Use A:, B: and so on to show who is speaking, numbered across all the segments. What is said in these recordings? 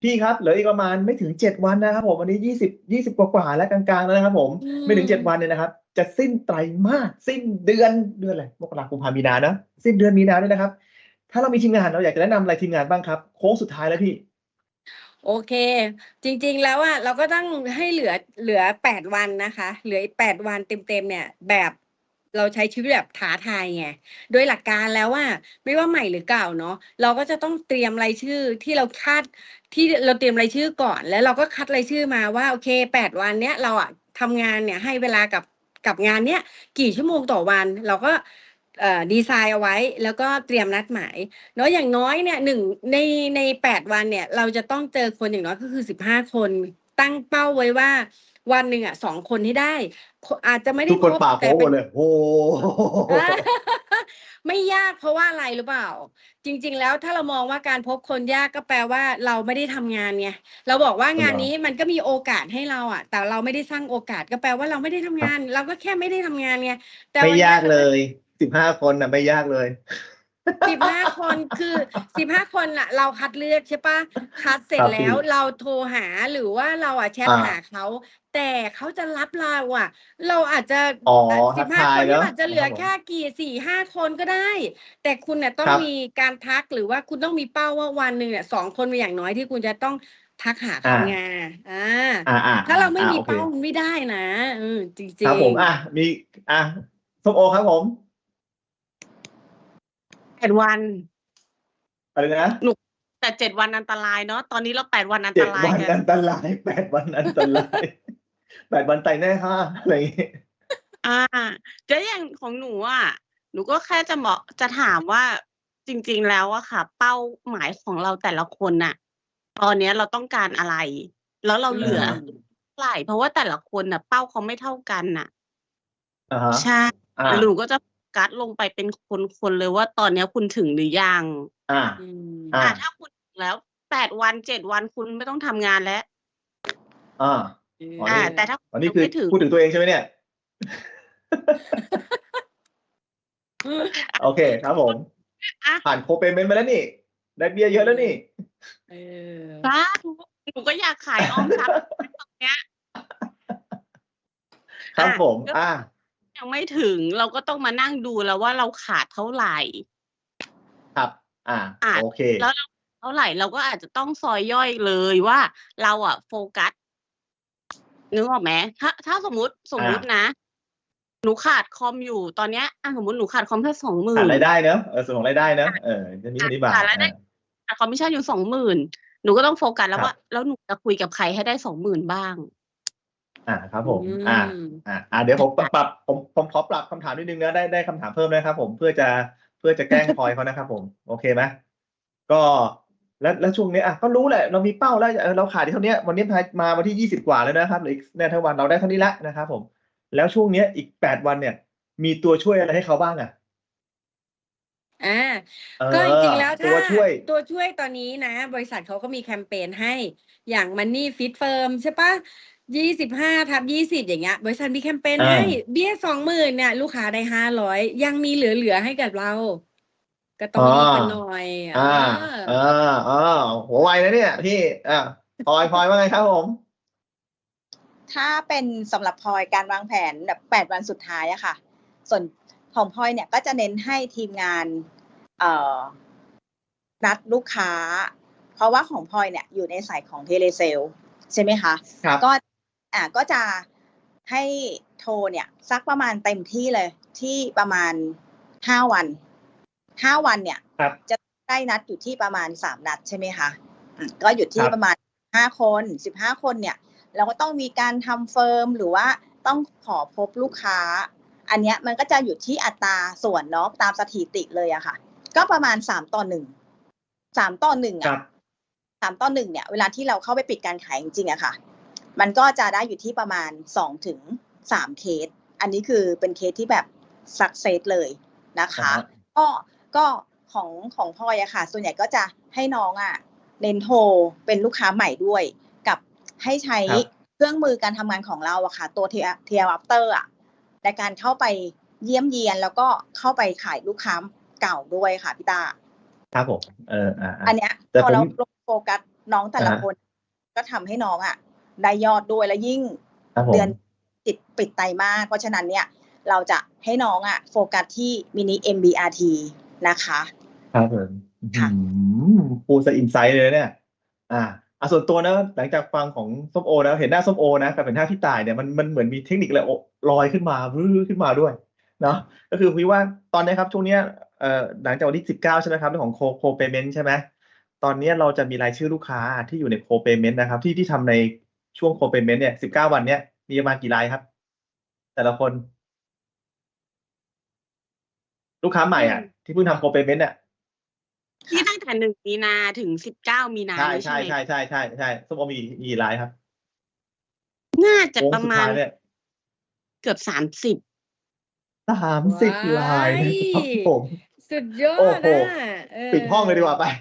A: พี่ครับเหลืออีกประมาณไม่ถึง7 วันนะครับผมวันนี้20กว่าแล้วกลางๆแล้วนะครับผม
B: อื
A: ไม่ถึง7 วัน
B: ม
A: เนี่ยนะครับจะสิ้นไตรมาสสิ้นเดือนอะไรมกราคมมีนาเนอะสิ้นเดือนมีนาด้วยนะครับถ้าเรามีทีมงานเราอยากจะแนะนำอะไรทีมงานบ้างครับโค้งสุดท้ายแล้วพี่
B: โอเคจริงๆแล้วอ่ะเราก็ต้องให้เหลือ8 วันนะคะเหลืออีก8 วันเต็มๆเนี่ยแบบเราใช้ชีวิตแบบท้าทายไงโดยหลักการแล้วว่าไม่ว่าใหม่หรือเก่าเนาะเราก็จะต้องเตรียมรายชื่อที่เราคาดที่เราเตรียมรายชื่อก่อนแล้วเราก็คัดรายชื่อมาว่าโอเค8 วันเนี้ยเราอ่ะทำงานเนี่ยให้เวลากับงานเนี้ยกี่ชั่วโมงต่อวันเราก็ดีไซน์เอาไว้แล้วก็เตรียมนัดหมาย เนาะอย่างน้อยเนี่ยใน8 วันเนี่ยเราจะต้องเจอคนอย่างน้อยก็คือ15 คนตั้งเป้าไว้ว่าวันหนึ่งอ่ะ2 คนให้ได้อาจจะไม่ได้
A: ทุกคน
B: ครบ
A: ป่าโค้งหม
B: แต่เป็น
A: ดเลยโอ้โห
B: อ่าไม่ยากเพราะว่าอะไรหรือเปล่าจริงๆแล้วถ้าเรามองว่าการพบคนยากก็แปลว่าเราไม่ได้ทำงานไงเราบอกว่า
A: เหรอ
B: งานนี้มันก็มีโอกาสให้เราอ่ะแต่เราไม่ได้สร้างโอกาสก็แปลว่าเราไม่ได้ทำงาน
A: ครับ
B: เราก็แค่ไม่ได้ทำงานไงแต่
A: ไม่
B: วันเนี้ยเราจะ
A: ยากเลย15 คนน่ะไม่ยากเลย
B: 15 คนคือ15 คนน่ะเราคัดเลือกใช่ปะคัดเส
A: ค
B: ร็จ
A: รับพี่
B: แล้วเราโทรหาหรือว่าเราแชทหาเขาแต่เขาจะรับเราเราอาจจะ
A: อ๋อ
B: สิ
A: ทัก
B: บห้าคนนี้
A: ทายเนอะ
B: อาจจะเหลือ
A: นะครับผม
B: แค่กี่4-5 คนก็ได้แต่คุณน่ะต้
A: ครับ
B: องมีการทักหรือว่าคุณต้องมีเป้าว่าวันหนึ่งเนี่ย2 คนเป็นอย่างน้อยที่คุณจะต้องทักหา
A: อ่า
B: เขาไงอ่าถ้าเราไม่มี
A: โอเค
B: เป้ามันไม่ได้นะจ
A: ครั
B: ริง
A: บผมมีอ่ะส้มโอครับผม
C: 8 วัน
A: อะไรนะ
C: หนุกแต่7 วันอันตรายเนาะตอนนี้เรา8 วันอัน
A: เจ็
C: ตรายกัน
A: ดวันอันตราย8 วันอันตราย8 วันไต่แน่ค่ะอะไรอย่างงี้
C: อ่าแล้วอย่างของหนูอ่ะหนูก็แค่จะถามว่าจริงๆแล้วอะค่ะ เป้าหมายของเราแต่ละคนน่ะตอนเนี้ยเราต้องการอะไร แล้วเรา
B: อื
C: เหลือ
A: ฮะ
B: ม
C: เท่าไหร่เพราะว่าแต่ละคนน่ะเป้าเขาไม่เท่ากันน่ะ
A: ฮะ
C: ใช่
A: อ่า
C: หนูก็จะโฟกัสลงไปเป็นคนๆเลยว่าตอนเนี้ยคุณถึงหรือยัง
A: อ่า
B: อืม
A: อ่า
C: ถ้าคุณถึงแล้ว8 วัน7 วันคุณไม่ต้องทำงานแล้ว
A: อ่า
B: เอ
A: อ๋อนี่
C: แต่ถ้าคุณ
A: อ๋อนี่คือ
C: ยังไม่ถึง
A: พูดถึงตัวเองใช่ไหมเนี่ย โอเคครับผม
C: อ่ะ
A: ผ่านโคเปเมนต์มาแล้วนี่ได้เบี้ยเยอะแล้วนี่
B: เออ
C: สาธุหนูก็อยากขายออมทรัพย์ตรงเนี้ย
A: ครับผม
C: ก็ยังไม่ถึงเราก็ต้องมานั่งดูแล้วว่าเราขาดเท่าไหร่
A: ครับ
C: อ่ะ
A: โอเค
C: แล้วเราเท่าไหร่เราก็อาจจะต้องซอยย่อยเลยว่าเราโฟกัสนึกออกไหมถ้าสมมุตินะหนูขาดคอมอยู่ตอนเนี้ยสมมติหนูขาดคอมแค่20,000
A: รายได้เนอะส่วนของรายได้เนอะจะมีเท่านี้บาท
C: ขาดรายได้ขาดคอมมิชชั่นอยู่20,000หนูก็ต้องโฟกัสแล้
A: ครับ
C: วว่าแล้วหนูจะคุยกับใครให้ได้20,000บ้าง
A: ครับ
B: อื
A: ผม
B: ม
A: เดี๋ยวผมปรับผมขอปรับคำถามนิดนึงนะได้คำถามเพิ่มนะครับผมเพื่อจะแกล้งพลอยเขานะครับผมโอเคไหมก็แล้วช่วงนี้ก็รู้แหละเรามีเป้าแล้วเราขาดที่เท่านี้วันนี้มาวันที่20 กว่าแล้วนะครับเหลืออีกเนี่ยทั้งวันเราได้เท่านี้ละนะครับผมแล้วช่วงเนี้ยอีก8 วันเนี่ยมีตัวช่วยอะไรให้เขาบ้าง
B: อ่า
A: เออ
B: ก็จริงๆแล้วถ้า
A: ตัวช่วย
B: ตัวช่วยตอนนี้นะบริษัทเขาก็มีแคมเปญให้อย่าง Money Fit Firm ใช่ปะ25/20อย่างเงี้ยบริษัทมีแคมเปญ
A: อ่
B: ให้
A: า
B: เบี้ย20,000เนี่ยลูกค้าได้500ยังมีเหลือให้กับเราก็ต้อ
A: อ๋อ
B: งรีบกันหน่อย
A: อ่าอ่าอ่าหัวไวนะเนี่ยพี่อ่าพลอยว่าไงครับผม
D: ถ้าเป็นสำหรับพลอยการวางแผนแบบ8 วันสุดท้ายอะค่ะส่วนของพลอยเนี่ยก็จะเน้นให้ทีมงานเอ่อนัดลูกค้าเพราะว่าของพลอยเนี่ยอยู่ในสายของเทเลเซลใช่ไหมคะ
A: ครับ
D: ก็ก็จะให้โทรเนี่ยสักประมาณเต็มที่เลยที่ประมาณ5 วัน5 วันเนี่ย
A: ครับ
D: จะได้นัดอยู่ที่ประมาณ3 นัดใช่ไหมคะก็อยู่
A: ครับ
D: ที่ประมาณ5 คน15 คนเนี่ยเราก็ต้องมีการทำเฟิร์มหรือว่าต้องขอพบลูกค้าอันเนี้ยมันก็จะอยู่ที่อัตราส่วนเนาะตามสถิติเลยอะค่ะก็ประมาณ3:1 3:1
A: ครั
D: อะ
A: บ
D: 3:1เนี่ยเวลาที่เราเข้าไปปิดการขายจริงๆอะค่ะมันก็จะได้อยู่ที่ประมาณ2 ถึง 3เคสอันนี้คือเป็นเคสที่แบบสักเซสเลยนะคะก็ของพลอยอะค่ะส่วนใหญ่ก็จะให้น้องเน้นโทรเป็นลูกค้าใหม่ด้วยกับให้ใช้
A: ครับ
D: เครื่องมือการทำงานของเราอะค่ะตัว TL After อะในการเข้าไปเยี่ยมเยียนแล้วก็เข้าไปขายลูกค้าเก่าด้วยค่ะพี่ตา
A: ครับผม
D: อันเนี้ย
A: แต่ผม
D: พอเราลงโฟกัสน้องแต่ละ
A: อ่าฮะ
D: คนก็ทำให้น้องอ่ะได้ยอดด้วยและยิ่ง
A: ครับผม
D: เดือนปิดไตรมาสเพราะฉะนั้นเนี่ยเราจะให้น้องอ่ะโฟกัสที่มินิ MBRT นะคะ
A: ครับผม
D: ค่ะ
A: พูดซะอินไซต์เลยเนี่ย ส่วนตัวนะหลังจากฟังของส้มโอนะเห็นหน้าส้มโอนะกับเห็นหน้าพี่ต่ายเนี่ยมันเหมือนมีเทคนิคอะไรลอยขึ้นมาขึ้นมาด้วยเนาะก็คือพี่ว่าตอนนี้ครับช่วงเนี้ยหลังจากวันที่19ใช่ไหมครับเรื่องของโคเปเมนต์ใช่ไหมตอนนี้เราจะมีรายชื่อลูกค้าที่อยู่ในโคเปเมนต์นะครับที่ทำในช่วงโคเปเมนต์เนี่ย19 วันเนี้ยมีประมาณกี่รายครับ แต่ละคน ลูกค้าใหม่อ่ะที่เพิ่งทำโคเปเมนต์เนี่ย
C: ที่ตั้งแต่1 มีนาถึง 19 มีนา
A: ใช่
C: นี้
A: ใช่
C: ใช่ไหม
A: ใช่ส้มโอมีกี่รายครับ
C: น่าจะ
A: โค้ง
C: ประ
A: สุด
C: มา
A: ท้า
C: ณ
A: ยเนี่ย
C: เกือบ 30
A: 30
B: ว้า
A: รายนะครับ
B: ย
A: ผม
B: สุดยอ
A: โอ้
B: ด
A: โห
B: อะเอ
A: ปิดห้องเลยดีกว่า
B: อ
A: ไป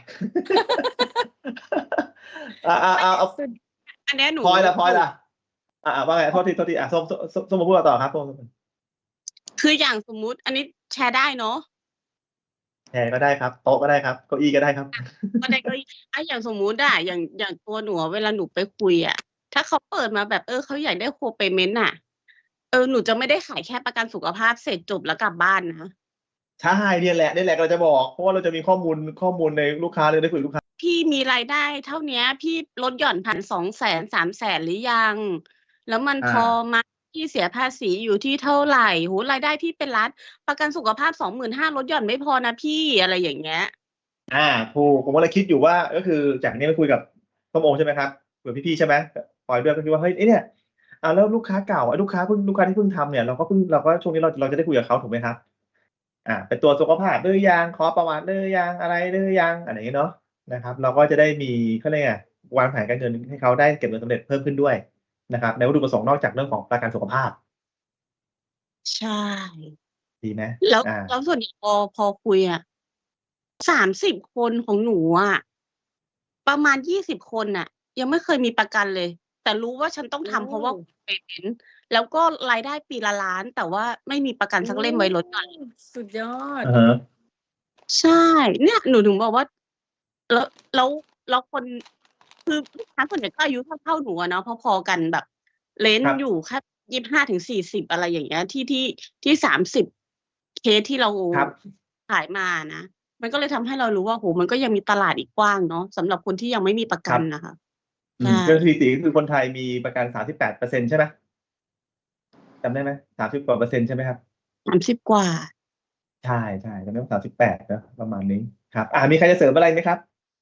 A: เอา
B: สุด
C: อันเนี้ยหนู
A: พลอย
C: หนู
A: ล่ะว่าไงโทษทีส้มมาพูดต่อครับส้ม
C: คืออย่างสมมุติ อันนี้แชร์ได้เนาะ
A: แชร์ก็ได้ครับ โต๊ะก็ได้ครับ เก้าอี้ก็ได้ครับ
C: ก็ได้ก็อย่างสมมุติอะอย่างตัวหนูอะเวลาหนูไปคุยอะถ้าเขาเปิดมาแบบเขาอยากได้โคเปเมนต์น่ะหนูจะไม่ได้ขายแค่ประกันสุขภาพเสร็จจบแล้วกลับบ้านนะ
A: ใช่เนี่ยแหละเราจะบอก เพราะว่าเราจะมีข้อมูลในลูกค้าเลยได้คุยกับลูกค้า
C: พี่มีรายได้เท่าเนี้ย พี่ลดหย่อนผ่าน200,000 300,000 หรือยัง แล้วมันพอไหมพี่เสียภาษีอยู่ที่เท่าไหร่โอ้โฮรายได้พี่เป็นล้าน ประกันสุขภาพ 25,000 ลดหย่อนไม่พอนะพี่ อะไรอย่างเงี้ย
A: ถูกผมก็เลยคิดอยู่ว่าก็คือจากนี้ไปคุยกับส้มโอใช่ไหมครับคุยกับพี่ๆใช่ไหมพลอยด้วยก็คิดว่าเฮ้ยเนี่ยแล้วลูกค้าเก่าลูกค้าที่เพิ่งทำเนี่ยเราก็ช่วงนี้เราจะได้คุยกับเขาถูกไหมครับเป็นตัวสุขภาพหรือยังขอประวัติหรือยังอะไรหรือยังอะไรอย่างงี้เนาะนะครับเราก็จะได้มีเขาเรียกไงวางแผนการเงินให้เขาได้เก็บเงินสำเร็จเพิ่มขึ้นด้วยนะครับในวัตถุประสงค์นอกจากเรื่องของประกันสุขภาพ
C: ใช่
A: ดีไหม
C: แล้วส่วนใหญ่พอคุยอะ30 คนของหนูอะประมาณ20 คนน่ะยังไม่เคยมีประกันเลย แต่รู้ว่าฉันต้องทำเพราะว่าเปเมนต์แล้วก็รายได้ปีละล้าน แต่ว่าไม่มีประกันสักเล่มไว้ลดหย่อน
B: สุดยอด
A: อะฮะ
C: ใช่ เนี่ยหนูถึงบอกว่า แล้วคนคือลูกค้าส่วนใหญ่ก็อายุเท่าๆหนูอะเนาะพอๆกันแบบเรน
A: ครั
C: จ์
A: บ
C: อยู่แค่ 25-40 อะไรอย่างเงี้ยที่ 30 เคสที่เรา
A: ครับ
C: ขายมานะ มันก็เลยทำให้เรารู้ว่าโอ้โฮมันก็ยังมีตลาดอีกกว้างเนาะสำหรับคนที่ยังไม่มีประกันน่ะค่ะ ใช่
A: ก็สถิติก็คือคนไทยมีประกัน 38% ใช่ไหมจำได้ไหม30 กว่า%ใช่ไหมครับ
C: 30 กว่า
A: ใช่จำได้ว่า38เนาะประมาณนี้ครับมีใครจะเสริมอะไรไหมครับ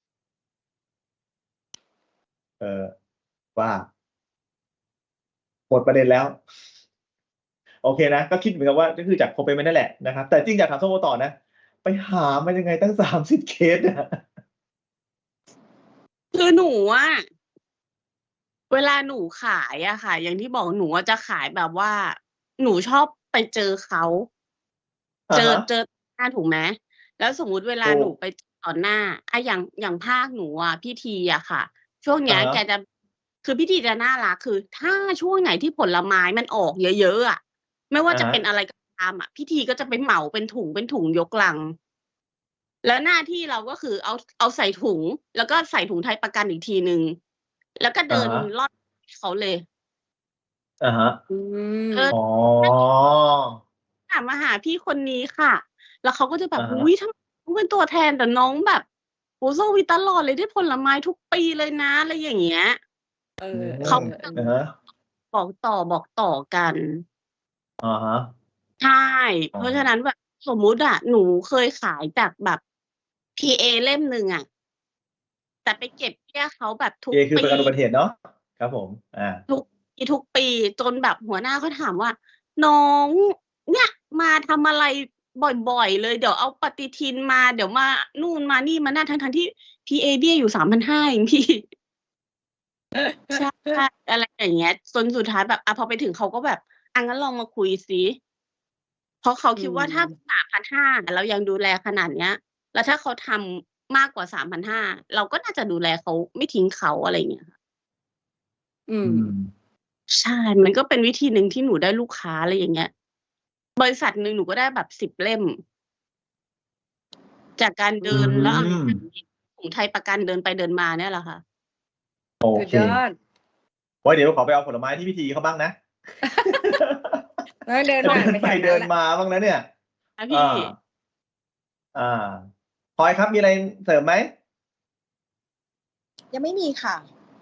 A: ว่าหมดประเด็นแล้ว โอเคนะ ก็คิดเหมือนกันว่าก็คือจากโคเปเมนต์นั่นแหละนะครับ แต่จริงอยากถามส้มโอต่อนะ ไปหามายังไงตั้ง30 เคสอะ
C: คือหนูอะเวลาหนูขายอะค่ะ อย่างที่บอกหนูอะจะขายแบบว่า หนูชอบไปเจอเขา เจอหน้าถูกไหม แล้วสมมุติเวลา
A: ถูก
C: หนูไปต่อหน้าอย่างภาคหนูอะพี่ทีอะค่ะ ช่วงเนี้ย
A: อะฮะ
C: แกจะคือพี่ทีจะน่ารักคือถ้าช่วงไหนที่ผลไม้มันออกเยอะๆอะไม่ว่าจะเป็นอะไรก็ตามอะพี่ทีก็จะไปเหมาเป็นถุงยกลัง แล้วหน้าที่เราก็คือเอาใส่ถุง แล้วก็ใส่ถุงไทยประกันอีกทีหนึ่งแล้วก็เดิน
A: อะฮะ
C: รอบเขาเลย
A: อะฮะ
B: อืม
A: อ๋อ
C: มาหาพี่คนนี้ค่ะ แล้วเขาก็จะแบบ
A: อะฮะ
C: อุ๊ยทำไมน้องเป็นตัวแทนแต่น้องแบบโอ้โฮโซวีตลอดเลยได้ผลไม้ทุกปีเลยนะอะไรอย่างเงี้ย
B: เอ
A: อื
B: อ
A: ม
C: เขา
A: อะฮะ
C: บอกต่อกัน
A: อะฮะ
C: ใช่ เพราะฉะนั้นแบบสมมุติอะหนูเคยขายจากแบบ PA เล่มหนึ่งอะแต่ไปเก็บเบี้ยเขาแบบทุก
A: PA คือ
C: ปี
A: ประกันอุบัติเหตุเนาะครับผม
C: ทุกปีจนแบบหัวหน้าเขาถามว่า น้องเนี่ยมาทำอะไรบ่อยๆเลยเดี๋ยวเอาปฏิทินมาเดี๋ยวมานู่นมานี่มานั่นทั้งๆที่ PA เบี้ยอยู่ 3,500 เองพี่ ใช่ อะไรอย่างเงี้ยจนสุดท้ายแบบพอไปถึงเขาก็แบบงั้นลองมาคุยสิเพราะเขาคิดว่าถ้า 3,500 เรายังดูแลขนาดเนี้ย แล้วถ้าเขาทำมากกว่า 3,500 เราก็น่าจะดูแลเขาไม่ทิ้งเขาอะไรอย่างเงี้ยค่ะ
B: อืม
C: ใช่ มันก็เป็นวิธีหนึ่งที่หนูได้ลูกค้าอะไรอย่างเงี้ย บริษัทหนึ่งหนูก็ได้แบบ10 เล่ม จากการเดินแล้วถุงไทยประกันเดินไปเดินมาเนี่ยแหละค่ะ
A: โอ
B: สุด
A: เค
B: ยอด
A: ไว้เดี๋ยวขอไปเอาผลไม้ที่พิธีเขาบ้างนะ
B: แล้วเดิน
A: จะ
B: ผ่าน
A: เดิน
B: ไป
A: ไป
B: แถว
A: เดิ
B: นั้น
A: น
B: แหละ
A: มาบ้างนะเนี่ย
C: นะพี่
A: พลอยครับมีอะไรเสริมไหม
D: ยังไม่มีค่ะ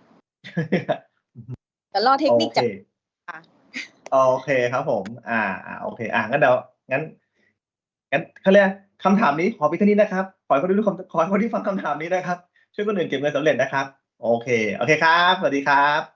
D: แต่รอเทค
A: โอ
D: นิค
A: เค
D: จากค่ะ
A: โอเคครับผม โอเค งั้นเดี๋ยวงั้นเขาเรียกคำถามนี้ขอเพียงเท่านี้นะครับ ขอให้คนที่ฟังคำถามนี้นะครับ ช่วยคนอื่นเก็บเงินสำเร็จนะครับ โอเค โอเคครับ สวัสดีครับ